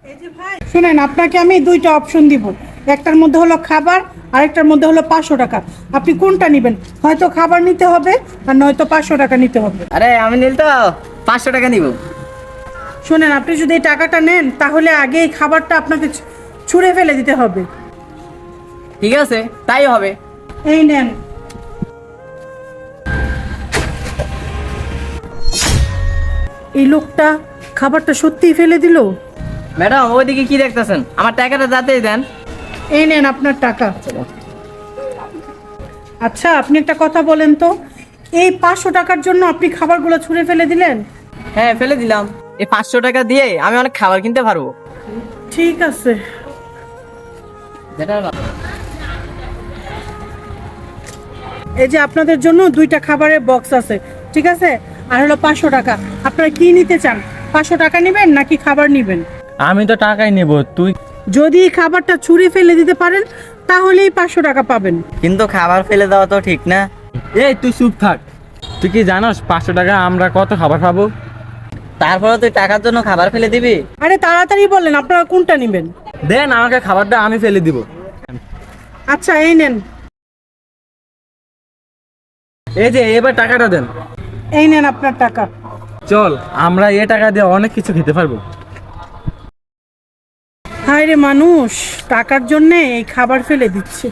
এই যে ভাই শুনেন, আপনাকে আমি দুইটা অপশন দিব। একটার মধ্যে হলো খাবার, আরেকটার মধ্যে হলো 500 টাকা। আপনি কোনটা নেবেন? হয়তো খাবার নিতে হবে আর নয়তো 500 টাকা নিতে হবে। আরে আমি নিল তো 500 টাকা নিব। শুনেন, আপনি যদি এই টাকাটা নেন তাহলে আগে এই খাবারটা আপনাকে ছুঁড়ে ফেলে দিতে হবে। ঠিক আছে, তাই হবে। এই নেন। এই লোকটা খাবারটা সত্যিই ফেলে দিল। ম্যাডাম ওইদিকে কি দেখতেছেন? আমার টাকাটা যাতেই দেন। এই নেন আপনার টাকা। আচ্ছা, আপনি একটা কথা বলেন তো, এই 500 টাকার জন্য আপনি খাবারগুলো ছুঁড়ে ফেলে দিলেন? হ্যাঁ, ফেলে দিলাম। এই 500 টাকা দিয়ে আমি অনেক খাবার কিনতে পারবো। ঠিক আছে। যেটা এই যে আপনাদের জন্য দুইটা খাবারের বক্স আছে, ঠিক আছে? আর হলো 500 টাকা। আপনারা কি নিতে চান? 500 টাকা নেবেন নাকি খাবার নেবেন? আমি তো টাকাই নেব, তুই? যদি এই খাবারটা ছুঁড়ে ফেলে দিতে পারেন তাহলেই 500 টাকা পাবেন। কিন্তু খাবার ফেলে দেওয়া তো ঠিক না। এই তুই চুপ থাক। তুই কি জানোস 500 টাকা আমরা কত খাবার খাবো? তারপরে তুই টাকার জন্য খাবার ফেলে দিবি? আরে তাড়াতাড়ি বলেন আপনারা কোনটা নেবেন। দেন আমাকে খাবারটা, আমি ফেলে দিব। আচ্ছা, এই নেন। এই যে এবার টাকাটা দেন। এই নেন আপনার টাকা। চল, আমরা এই টাকা দিয়ে অনেক কিছু খেতে পারবো। হায় রে মানুষ, টাকার জন্যে এই খাবার ফেলে দিচ্ছে।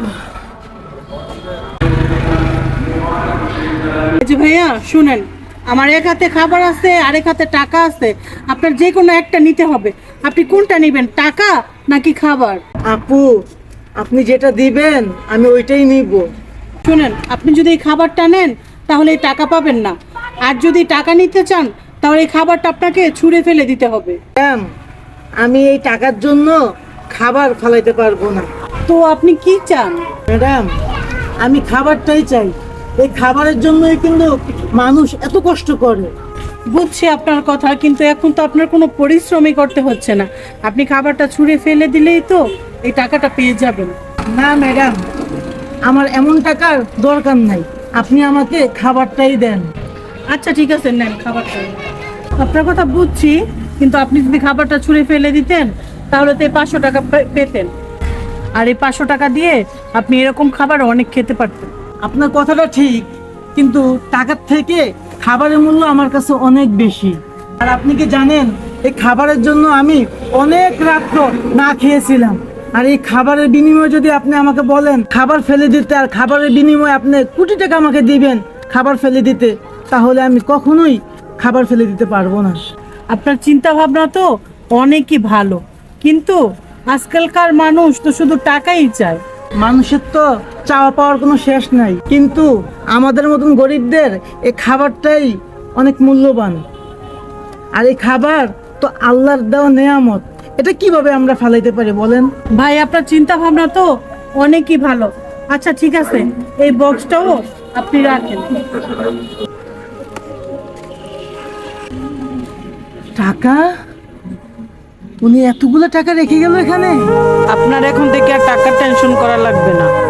এই যে ভাইয়া শুনেন, আমার এক হাতে খাবার আছে আর এক হাতে টাকা আছে। আপনার যে কোনো একটা নিতে হবে। আপনি কোনটা নেবেন, টাকা নাকি খাবার? আপু, আপনি যেটা দিবেন আমি ওইটাই নিব। শুনেন, আপনি যদি এই খাবারটা নেন তাহলে এই টাকা পাবেন না। আর যদি টাকা নিতে চান তাহলে এই খাবারটা আপনাকে ছুঁড়ে ফেলে দিতে হবে। ম্যাম, আমি এই টাকার জন্য খাবার ফেলাইতে পারবো না। তো আপনি কি চান? ম্যাডাম, আমি খাবারটাই চাই। এই খাবারের জন্যই কিন্তু মানুষ এত কষ্ট করে। বুঝছি আপনার কথা, কিন্তু এখন তো আপনার কোনো পরিশ্রমই করতে হচ্ছে না। আপনি খাবারটা ছুঁড়ে ফেলে দিলেই তো এই টাকাটা পেয়ে যাবেন। না ম্যাডাম, আমার এমন টাকার দরকার নাই। আপনি আমাকে খাবারটাই দেন। আচ্ছা ঠিক আছে, নেন খাবারটা। আপনার কথা বুঝছি, কিন্তু আপনি যদি খাবারটা ছুঁড়ে ফেলে দিতেন তাহলে তো এই 500 টাকা পেতেন। আর এই 500 টাকা দিয়ে আপনি এরকম খাবার অনেক খেতে পারতেন। আপনার কথাটা ঠিক, কিন্তু টাকার থেকে খাবারের মূল্য আমার কাছে অনেক বেশি। আর আপনি কি জানেন, এই খাবারের জন্য আমি অনেক রাত্র না খেয়েছিলাম। আর এই খাবারের বিনিময়ে যদি আপনি আমাকে বলেন খাবার ফেলে দিতে, আর খাবারের বিনিময়ে আপনি কোটি টাকা আমাকে দিবেন খাবার ফেলে দিতে, তাহলে আমি কখনোই খাবার ফেলে দিতে পারবো না। আপনার চিন্তা ভাবনা তো অনেকই ভালো, কিন্তু আজকালকার মানুষ তো শুধু টাকাই চায়। মানুষের তো চাওয়া পাওয়ার কোনো শেষ নাই, কিন্তু আমাদের মতন গরিবদের এই খাবারটাই অনেক মূল্যবান। আর এই খাবার তো আল্লাহর দেওয়া নেয়ামত, এটা কিভাবে আমরা ফালাইতে পারি বলেন? ভাই, আপনার চিন্তা ভাবনা তো অনেকই ভালো। আচ্ছা ঠিক আছে, এই বক্সটাও আপনি রাখেন। টাকা? উনি এতগুলো টাকা রেখে গেল এখানে? আপনার এখন থেকে আর টাকার টেনশন করা লাগবে না।